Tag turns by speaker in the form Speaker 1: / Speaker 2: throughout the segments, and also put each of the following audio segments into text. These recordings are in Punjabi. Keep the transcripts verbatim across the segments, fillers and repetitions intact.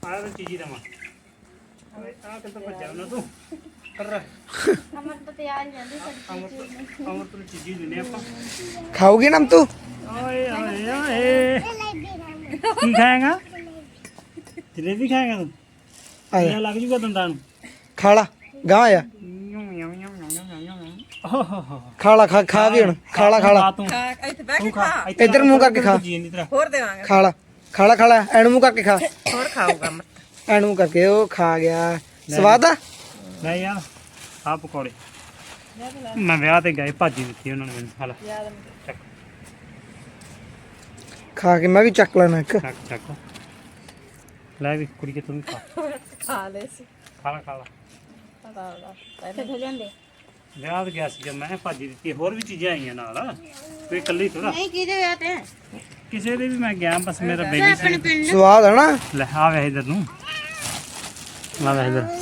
Speaker 1: ਆਹ ਤਾਂ ਚੀਜ਼ੀ ਦਵਾਂ ਆ ਕਿੱਥੇ ਭੱਜਿਆ ਉਹਨਾਂ ਤੂੰ ਕਰ
Speaker 2: ਅਮਰ ਤਾਂ ਤਿਆਰ ਹੀ ਰਹਿੰਦੀ
Speaker 1: ਅਮਰ ਤੋਂ ਅਮਰ ਤੋਂ ਚੀਜ਼ੀ ਦਿੰਨੇ ਆਪਾਂ
Speaker 3: ਖਾਓਗੇ ਨਾ ਤੂੰ
Speaker 1: ਓਏ ਓਏ ਓਏ ਕੀ ਖਾਏਗਾ ਜਲੇਬੀ ਖਾਏਗਾ ਤੂੰ ਆਇਆ ਲੱਗ ਜੂਗਾ ਦੰਦਾਂ ਨੂੰ
Speaker 3: ਖਾ ਲਾ ਗਾਂ ਆ ਖਾ ਲਾ ਖਾ ਖਾ ਵੀ ਹੁਣ ਖਾ ਲਾ ਖਾ ਲਾ
Speaker 1: ਤੂੰ
Speaker 4: ਇੱਥੇ ਬਹਿ ਕੇ ਖਾ
Speaker 3: ਇੱਧਰ ਮੂੰਹ ਕਰਕੇ ਖਾ
Speaker 4: ਹੋਰ ਦੇਵਾਂਗੇ
Speaker 3: ਖਾ ਲਾ ਖਾ ਲਾ ਖਾ ਲਾ ਐਨ ਮੂੰਹ ਕਰਕੇ ਖਾ
Speaker 4: ਹੋਰ ਖਾਊਗਾ ਮੈਂ
Speaker 3: ਐਨ ਮੂੰਹ ਕਰਕੇ ਉਹ ਖਾ ਗਿਆ ਸਵਾਦ ਆ
Speaker 1: ਲੈ ਯਾਰ ਆ ਪਕੌੜੇ ਮੈਂ ਵਿਆਹ ਤੇ ਗਏ ਭਾਜੀ ਦਿੱਤੀ ਉਹਨਾਂ ਨੇ ਮੈਨੂੰ ਹਾਲਾ ਚੱਕ
Speaker 3: ਖਾ ਕੇ ਮੈਂ ਵੀ ਚੱਕ ਲੈਣਾ ਇੱਕ
Speaker 1: ਚੱਕ ਚੱਕ ਲੈ ਵੀ ਕੁੜੀ ਕੇ ਤੂੰ ਵੀ ਖਾ
Speaker 4: ਖਾ ਲੈ ਸੀ
Speaker 1: ਖਾ ਲਾ ਖਾ ਲਾ
Speaker 2: ਕਿੱਥੇ ਜਾਂਦੇ
Speaker 1: ਵਿਆਹ ਤੇ ਗਿਆ ਸੀ ਜਦ ਮੈਂ ਭਾਜੀ ਦਿੱਤੀ ਹੋਰ ਵੀ ਚੀਜ਼ਾਂ ਆਈਆਂ ਨਾਲ ਕੋਈ ਇਕੱਲੀ ਥੋੜਾ
Speaker 2: ਨਹੀਂ ਕਿਹਦੇ ਵਿਆਹ ਤੇ
Speaker 1: ਕਿਸੇ ਦੇ ਵੀ ਮੈਂ ਗਿਆ ਬਸ ਮੇਰਾ ਬੇਬੀ ਸੀ
Speaker 2: ਪਿੰਡ
Speaker 3: ਸਵਾਦ ਹੈ ਨਾ
Speaker 1: ਲੈ ਆ ਵੇ ਇਧਰ ਨੂੰ ਆ ਵੇ ਇਧਰ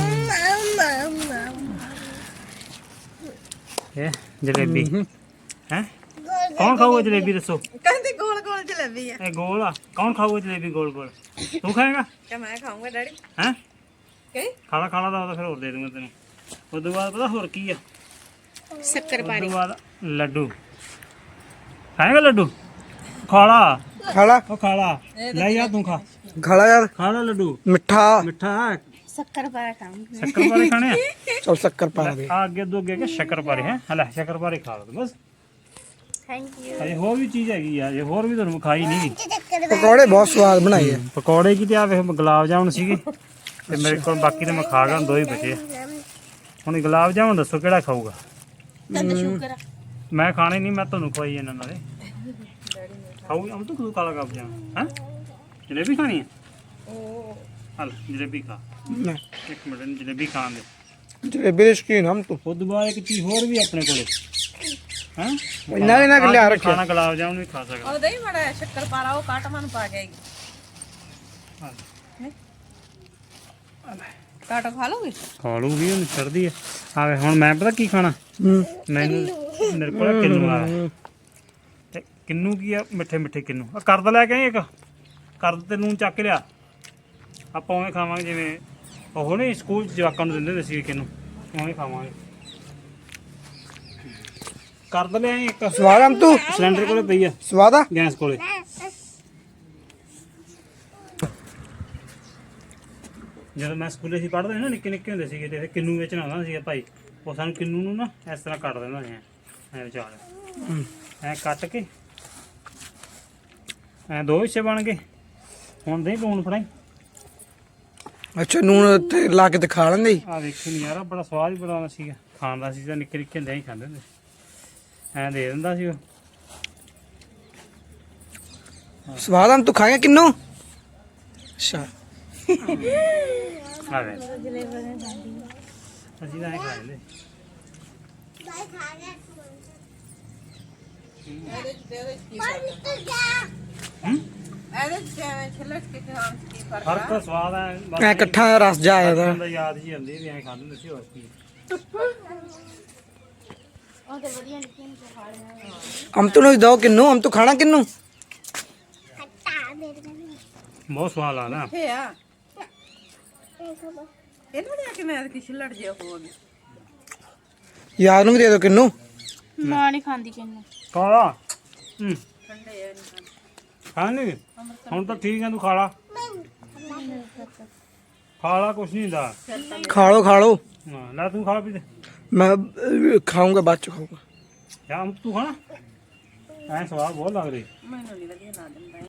Speaker 1: ਇਹ ਜਲੇਬੀ ਹੈ ਕੌਣ ਖਾਊਗਾ ਜਲੇਬੀ ਦੱਸੋ
Speaker 4: ਕਹਿੰਦੇ ਗੋਲ ਗੋਲ ਜਲੇਬੀ ਆ
Speaker 1: ਇਹ ਗੋਲ ਆ ਕੌਣ ਖਾਊਗਾ ਜਲੇਬੀ ਗੋਲ ਗੋਲ ਤੂੰ ਖਾਏਗਾ
Speaker 4: ਕਿ ਮੈਂ ਖਾਊਂਗਾ ਡੈਡੀ
Speaker 1: ਹੈ
Speaker 4: ਕੀ
Speaker 1: ਖਾਣਾ ਖਾਣਾ ਦਾ ਫਿਰ ਹੋਰ ਦੇ ਦੂੰਗਾ ਤੈਨੂੰ ਉਸ ਤੋਂ ਬਾਅਦ ਪਤਾ ਹੋਰ ਕੀ ਆ
Speaker 2: ਸ਼ੱਕਰ
Speaker 1: ਉਸ ਤੋਂ ਬਾਅਦ ਲੱਡੂ ਖਾਏਗਾ ਲੱਡੂ ਖਾਲਾ
Speaker 3: ਖਾ ਲਾ
Speaker 1: ਉਹ ਖਾਲਾ ਲੈ ਯਾਰ ਤੂੰ ਖਾ
Speaker 3: ਖਾ ਲਾ ਯਾਰ
Speaker 1: ਖਾ ਲਾ ਲੱਡੂ
Speaker 3: ਮਿੱਠਾ
Speaker 1: ਮਿੱਠਾ
Speaker 2: ਸ਼ੱਕਰ ਪਾ ਖਾਂਗੇ
Speaker 1: ਸ਼ੱਕਰ ਪਾਰੇ ਖਾਣੇ ਆ
Speaker 3: ਚਲ ਸ਼ੱਕਰ ਪਾ ਦੇ
Speaker 1: ਆ ਅੱਗੇ ਦੋ ਅੱਗੇ ਕੇ ਸ਼ੱਕਰ ਪਾਰੇ ਹੈ ਹਲਾ ਸ਼ੱਕਰ ਪਾਰੇ ਖਾ ਲਓ ਬਸ
Speaker 2: ਥੈਂਕ ਯੂ
Speaker 1: ਅਜੇ ਹੋਰ ਵੀ ਚੀਜ਼ ਹੈਗੀ ਆ ਇਹ ਹੋਰ ਵੀ ਤੁਹਾਨੂੰ ਖਾਈ ਨਹੀਂ
Speaker 3: ਪਕੌੜੇ ਬਹੁਤ ਸਵਾਦ ਬਣਾਏ ਆ
Speaker 1: ਪਕੌੜੇ ਕੀ ਤੇ ਆ ਵੇਖ ਗੁਲਾਬ ਜਾਮੁਨ ਸੀਗੇ ਤੇ ਮੇਰੇ ਕੋਲ ਬਾਕੀ ਤੇ ਮੈਂ ਖਾ ਗਿਆ ਦੋ ਹੀ ਬਚੇ ਆ। ਹੁਣ ਗੁਲਾਬ ਜਾਮੁਨ ਦੱਸੋ ਕਿਹੜਾ ਖਾਊਗਾ
Speaker 2: ਤੈਨੂੰ ਸ਼ੂਗਰ
Speaker 1: ਮੈਂ ਖਾਣੇ ਨਹੀਂ ਮੈਂ ਤੁਹਾਨੂੰ ਖਵਾਈ ਇਹਨਾਂ ਨਾਲੇ ਖਾਊਗੀ ਅਮ ਤੂੰ ਕਾਲਾ ਗੁਲਾਬ ਜਾਮੁਨ ਹੈ ਜਲੇਬੀ ਖਾਣੀ ਹੈ
Speaker 4: ਉਹ
Speaker 1: ਹਲ ਜਲੇਬੀ ਖਾ ਇੱਕ ਮਿੰਟ ਇਹਨੂੰ ਜਲੇਬੀ ਖਾਣ ਦੇ
Speaker 3: ਜਲੇਬੀ ਦੇ ਸ਼ੌਕੀਨ ਹਮ ਤੂੰ
Speaker 1: ਉਹ ਤੋਂ ਬਾਅਦ ਇੱਕ ਚੀਜ਼ ਹੋਰ ਵੀ ਆਪਣੇ ਕੋਲੇ ਹੈ
Speaker 3: ਇੰਨਾ ਇਹਨਾਂ ਕਿ ਲਿਆ ਰੱਖਿਆ
Speaker 1: ਖਾਣਾ ਗੁਲਾਬ ਜਾਮੁਨ ਵੀ ਖਾ ਸਕਦਾ
Speaker 4: ਉਹ ਦਹੀਂ ਮੜਾ ਸ਼ੱਕਰ ਪਾ ਲਾ ਉਹ ਕਾਟ ਮਨ ਪਾ ਕੇ ਆਏਗੀ ਕਾਟ ਖਾ ਲੋਗੇ
Speaker 1: ਖਾ ਲੂਗੀ ਹੁਣ ਛੱਡਦੀ ਆ ਆਵੇ ਹੁਣ ਮੈਂ ਪਤਾ ਕੀ ਖਾਣਾ
Speaker 3: ਹੂੰ
Speaker 1: ਮੈਨੂੰ ਮੇਰੇ ਕੋਲ ਕਿੰਨੂ ਆ ਤੇ ਕਿੰਨੂ ਕੀ ਆ ਮਿੱਠੇ ਮਿੱਠੇ ਕਿੰਨੂ ਆ ਕਰਦ ਲੈ ਕੇ ਆਈ ਇੱਕ ਕਰਦ ਤੇ ਨੂਨ ਚੱਕ ਲਿਆ ਆਪਾਂ ਉਵੇਂ ਖਾਵਾਂਗੇ ਜਿਵੇਂ ਉਹ ਨਹੀਂ ਸਕੂਲ 'ਚ ਜਵਾਕਾਂ ਨੂੰ ਦਿੰਦੇ ਹੁੰਦੇ ਸੀ ਕਿੰਨੂ ਉਵੇਂ ਖਾਵਾਂਗੇ ਕਰਦ ਲੈ ਆਈ ਇੱਕ
Speaker 3: ਸਵਾਦ ਹਮ ਤੂੰ
Speaker 1: ਸਿਲੰਡਰ ਕੋਲੇ ਪਈ ਆ
Speaker 3: ਸਵਾਦ ਆ
Speaker 1: ਗੈਸ ਕੋਲੇ ਜਦੋਂ ਮੈਂ ਸਕੂਲੇ ਸੀ ਪੜ੍ਹਦੇ ਨਾ ਨਿੱਕੇ ਨਿੱਕੇ ਹੁੰਦੇ ਸੀਗੇ ਤੇ ਫਿਰ ਕਿੰਨੂ ਵੇਚਣ ਆਉਂਦਾ ਸੀਗਾ ਭਾਈ ਉਹ ਸਾਨੂੰ ਕਿੰਨੂ ਨੂੰ ਨਾ ਇਸ ਤਰ੍ਹਾਂ ਕੱਟ ਦਿੰਦਾ ਸੀ ਐ ਵਿਚਾਰ ਐ ਕੱਟ ਕੇ ਐ ਦੋ ਹਿੱਸੇ ਬਣ ਗਏ ਹੁਣ ਦੇ ਲੂਣ ਫੜਾਈ
Speaker 3: ਅੱਛਾ ਨੂਨ ਤੇ ਲਾ ਕੇ ਤੇ ਖਾ ਲੈਂਦੇ ਸੀ।
Speaker 1: ਆ ਵੇਖੀ ਨੀ ਯਾਰ ਬੜਾ ਸਵਾਦ ਹੀ ਬੜਾ ਆਉਂਦਾ ਸੀਗਾ ਖਾਣ ਦਾ ਸੀ ਤਾਂ ਨਿੱਕੇ ਨਿੱਕੇ ਹੁੰਦੇ ਹੀ ਖਾਂਦੇ ਹੁੰਦੇ ਐ ਦੇ ਦਿੰਦਾ ਸੀ ਉਹ
Speaker 3: ਸਵਾਦ ਹਮ ਤੂੰ ਖਾਏਗਾ ਕਿੰਨੂ ਅੱਛਾ
Speaker 1: ਆ ਵੇ ਅਸੀਂ ਤਾਂ ਐ ਖਾ ਲੈਂਦੇ
Speaker 4: ਇਹਦੇ ਚ ਤੇ ਇਹਦੇ ਚ ਕੀ ਫਰਕ
Speaker 1: ਹੂੰ
Speaker 4: ਇਹਦੇ ਚ ਕਿਵੇਂ ਛਿੱਲੜ ਕੇ ਖਾਣ ਚ ਕੀ ਫਰਕ
Speaker 1: ਫਰਕ ਤਾਂ ਸਵਾਦ ਐ ਬਸ
Speaker 3: ਐ ਇਕੱਠਾ ਰਸ ਜਾ ਆਇਆ ਦਾ
Speaker 1: ਦਾ ਯਾਦ ਜੀ ਆਉਂਦੀ ਵੀ ਐ ਖਾਂਦੇ ਹੁੰਦੇ ਸੀ ਹੋਰ ਕੀ
Speaker 2: ਉਹ ਤੇ ਵਧੀਆ ਨਿੱਕੀ ਨੂੰ ਖਾ ਲੈਣਾ
Speaker 3: ਹਮ ਤੂੰ ਨੂੰ ਦੋ ਕਿੰਨੂ ਹਮ ਤੂੰ ਖਾਣਾ ਕਿੰਨੂ
Speaker 1: ਬਹੁਤ ਸਵਾਦ ਆਉਂਦਾ
Speaker 4: ਕਿੱਥੇ ਆ ਇਹਨਾਂ ਦੇ ਕਿ ਮੈਂ ਕਿ ਛਿੱਲੜ ਜੇ ਹੋ ਗਏ
Speaker 3: ਯਾਰ ਨੂੰ ਵੀ ਦੇ ਦੋ ਕਿੰਨੂ
Speaker 2: ਮਾਂ ਨਹੀਂ ਖਾਂਦੀ ਕਿੰਨੂੰ
Speaker 1: ਕਾਲਾ ਹੂੰ
Speaker 4: ਠੰਡੇ ਆ ਨਹੀਂ
Speaker 1: ਖਾ ਨਹੀਂ ਹੁਣ ਤਾਂ ਠੀਕ ਹੈ ਤੂੰ ਖਾ ਲਾ ਖਾ ਲਾ ਕੁਛ ਨਹੀਂ ਹੁੰਦਾ
Speaker 3: ਖਾ ਲੋ ਖਾ ਲੋ
Speaker 1: ਹਾਂ ਲੈ ਤੂੰ ਖਾ ਪੀ ਤੇ
Speaker 3: ਮੈਂ ਅਹ, ਖਾਊਂਗਾ ਬਾਅਦ ਚ ਖਾਊਂਗਾ
Speaker 1: ਜਾਂ ਤੂੰ ਖਾਣਾ ਐ ਸਵਾਦ ਬਹੁਤ ਲੱਗ ਰਹੀ
Speaker 4: ਮੈਨੂੰ ਨਹੀਂ ਵਧੀਆ ਨਾ ਦਿੰਦਾ